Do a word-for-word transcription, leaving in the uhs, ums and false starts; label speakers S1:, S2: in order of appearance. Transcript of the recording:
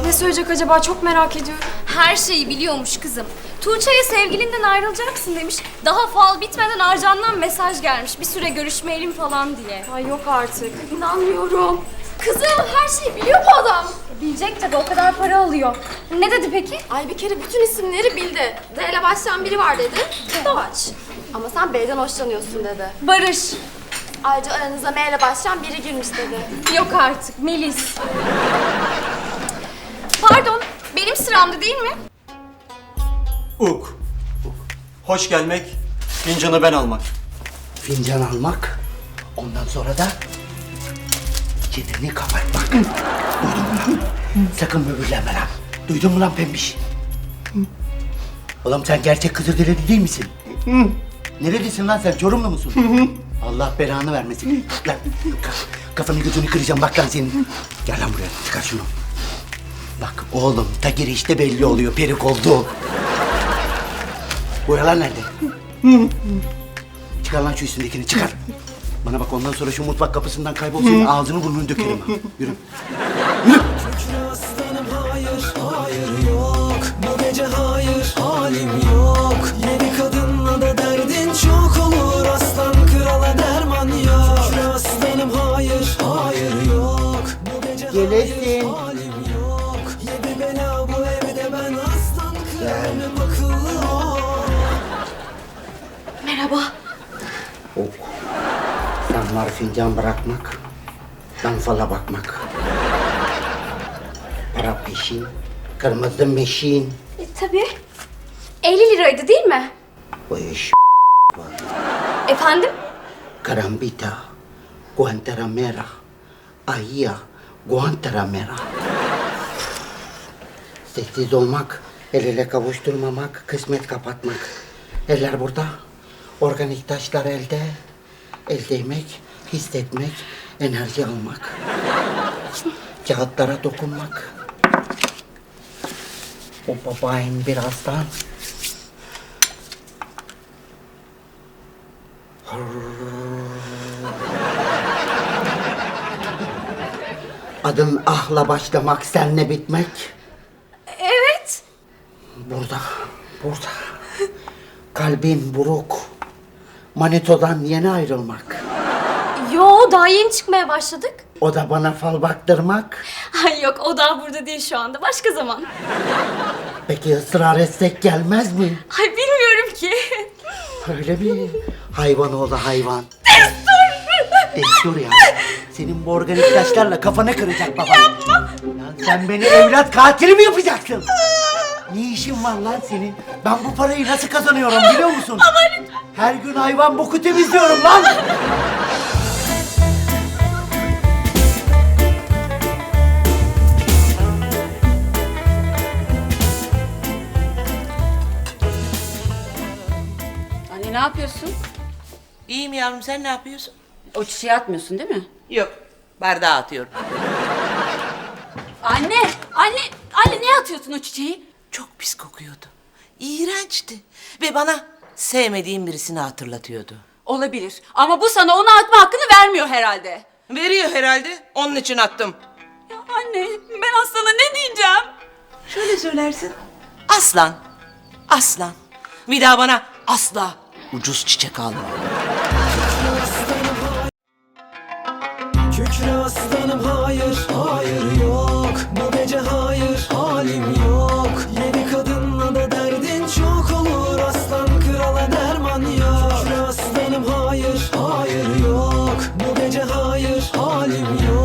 S1: Ne söyleyecek acaba? Çok merak ediyorum.
S2: Her şeyi biliyormuş kızım. Tuğçe'ye sevgilinden ayrılacaksın demiş. Daha fal bitmeden Arcan'dan mesaj gelmiş. Bir süre görüşmeyelim falan diye.
S1: Ay yok artık. İnanmıyorum.
S2: Kızım her şeyi biliyor bu adam. Bilecek tabii, o kadar para alıyor. Ne dedi peki?
S1: Ay bir kere bütün isimleri bildi. D ile başlayan biri var dedi. Doğaç. Ama sen B'den hoşlanıyorsun dedi.
S2: Barış.
S1: Ayrıca aranıza M ile başlayan biri girmiş dedi.
S2: Yok artık, Melis. Pardon, benim sıramdı değil mi?
S3: Uk. Hoş gelmek, fincanı ben almak.
S4: Fincan almak, ondan sonra da çeneni kapatmak. Duydun mu lan? Sakın böbürlenme lan. Duydun mu lan pembiş? Oğlum sen gerçek Kızılderili değil misin? Nerelisin lan sen? Çorumlu musun? Allah belanı vermesin. Lan kafanı gözünü kıracağım bak lan senin. Gel lan buraya, çıkar şunu. Bak oğlum, ta girişte belli oluyor perik oldu. Buralar nerede? Çıkar lan şu üstündekini, çıkar. Bana bak, ondan sonra şu mutfak kapısından kaybolsun, ağzını burnunu dökerim ha. Yürü. Yürü.
S5: Aslanım hayır, hayır yok. Bu gece hayır, halim yok. Yedi kadınla da derdin çok olur. Aslan krala derman yok. Şükür aslanım hayır, hayır yok. Bu gece
S4: Gelesin.
S5: hayır, halim yok. Yedi bela bu evde, ben aslan kralım akıllı ol.
S1: Merhaba.
S4: Ok. Sen var fincan bırakmak, ben fala bakmak. Para peşin, kırmızı meşin.
S2: E, tabii. elli liraydı değil mi?
S4: Bu iş
S2: Efendim?
S4: Karambita, Guantanamera, Ahia, Guantanamera. Sessiz olmak, el ele kavuşturmamak, kısmet kapatmak. Eller burada, organik taşlar elde. El değmek, hissetmek, enerji almak. Kağıtlara dokunmak. O babayın birazdan. Adın ahla başlamak, senle bitmek.
S2: Evet.
S4: Burada, burada. Kalbin buruk. Manito'dan yeni ayrılmak.
S2: Yo, daha yeni çıkmaya başladık.
S4: O da bana fal baktırmak.
S2: Ay yok, o daha burada değil şu anda. Başka zaman.
S4: Peki ısrar etsek gelmez mi?
S2: Ay bilmiyorum ki.
S4: Öyle mi? Hayvan oğlu hayvan. Destur! Destur ya. Senin bu organik taşlarla kafana kıracak baban. Yapma! Lan sen beni evlat katili mi yapacaksın? Ne işin var lan senin? Ben bu parayı nasıl kazanıyorum biliyor musun? Ama lütfen. Her gün hayvan boku temizliyorum lan.
S6: Anne ne yapıyorsun?
S7: İyiyim yavrum, sen ne yapıyorsun?
S6: O çiçeği atmıyorsun değil mi?
S7: Yok, bardağı atıyorum.
S6: Anne! Anne! Anne niye atıyorsun o çiçeği?
S7: Çok pis kokuyordu. İğrençti. Ve bana sevmediğim birisini hatırlatıyordu.
S6: Olabilir ama bu sana onu atma hakkını vermiyor herhalde.
S7: Veriyor herhalde, onun için attım.
S6: Ya anne ben Aslan'a ne diyeceğim?
S7: Şöyle söylersin. Aslan, aslan. Bir daha bana asla ucuz çiçek alma.
S5: Kükre aslanım hayır, hayır yok. Bu gece hayır, halim yok. Yedi kadınla da derdin çok olur. Aslan krala derman yok. Kükre aslanım hayır, hayır yok. Bu gece hayır, halim yok.